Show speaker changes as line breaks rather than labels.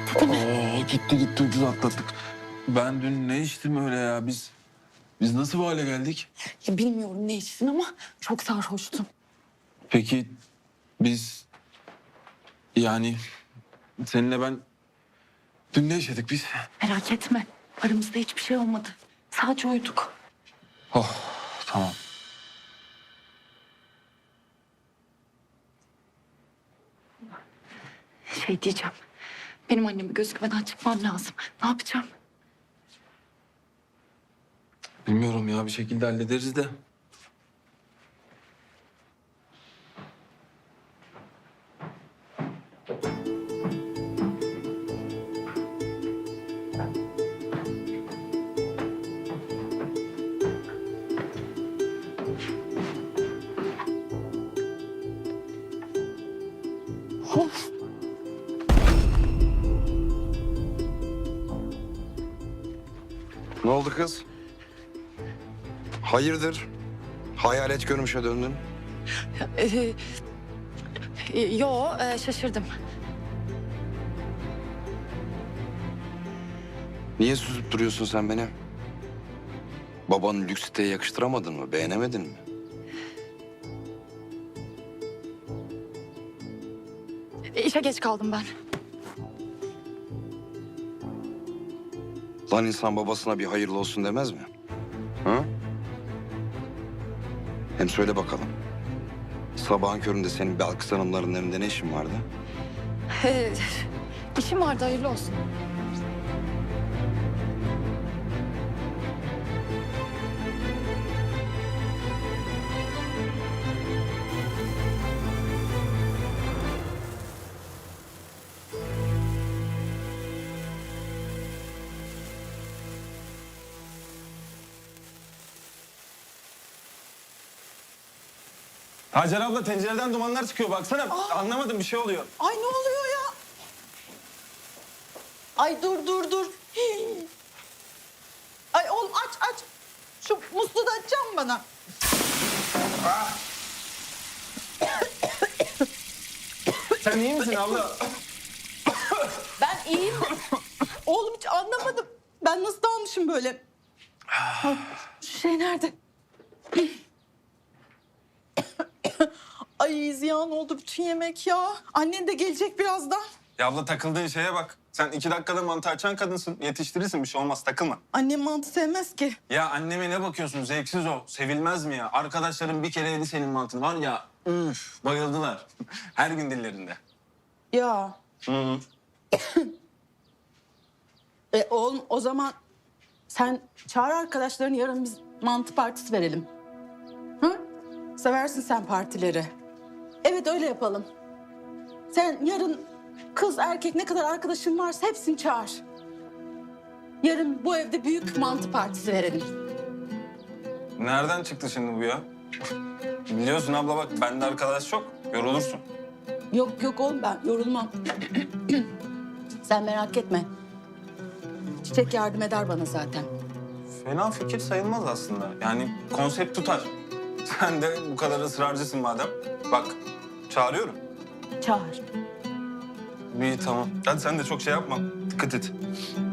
Gitti ucuz atlattık. Ben dün ne içtim öyle ya? Biz nasıl bu hale geldik?
Ya bilmiyorum ne içtin ama çok sarhoştun.
Peki biz yani seninle ben dün ne yaşadık biz?
Merak etme. Aramızda hiçbir şey olmadı. Sadece uyuduk.
Oh tamam.
Şey diyeceğim. Benim anneme gözükmeden çıkmam lazım. Ne yapacağım?
Bilmiyorum ya bir şekilde hallederiz de.
Of.
Ne oldu kız? Hayırdır? Hayalet görmüşe döndün.
Şaşırdım.
Niye süzüp duruyorsun sen beni? Babanın lüks siteye yakıştıramadın mı? Beğenemedin mi?
İşe geç kaldım ben.
Lan insan babasına bir hayırlı olsun demez mi? Ha? Hem söyle bakalım. Sabahın köründe senin Belkıs Hanımların evinde ne işin vardı?
İşim vardı, hayırlı olsun.
Hacer abla tencereden dumanlar çıkıyor baksana. Anlamadım bir şey oluyor.
Ay ne oluyor ya? Ay dur. Hii. Ay oğlum aç. Şu musluğu da açacağım bana.
Sen iyi misin abla?
Ben iyiyim. Oğlum hiç anlamadım. Ben nasıl dalmışım böyle? Ay, şu şey nerede? Ay ziyan oldu bütün yemek ya. Annen de gelecek birazdan.
Ya abla takıldığın şeye bak. Sen 2 dakikada mantı açan kadınsın. Yetiştirirsin bir şey olmaz takılma.
Annem mantı sevmez ki.
Ya anneme ne bakıyorsun zevksiz o. Sevilmez mi ya? Arkadaşlarım bir kere yedi senin mantını var ya. Üf bayıldılar. Her gün dillerinde.
Ya.
Hı.
Oğlum o zaman sen çağır arkadaşlarını, yarın biz mantı partisi verelim. Hı? Seversin sen partileri. Evet öyle yapalım. Sen yarın kız erkek ne kadar arkadaşın varsa hepsini çağır. Yarın bu evde büyük mantı partisi verelim.
Nereden çıktı şimdi bu ya? Biliyorsun abla bak bende arkadaş çok. Yorulursun.
Yok oğlum ben yorulmam. Sen merak etme. Çiçek yardım eder bana zaten.
Fena fikir sayılmaz aslında. Yani konsept tutar. Sen de bu kadar ısrarcısın madem. Bak çağırıyorum.
Çağır.
İyi tamam. Hadi sen de çok şey yapma. Dikkat et.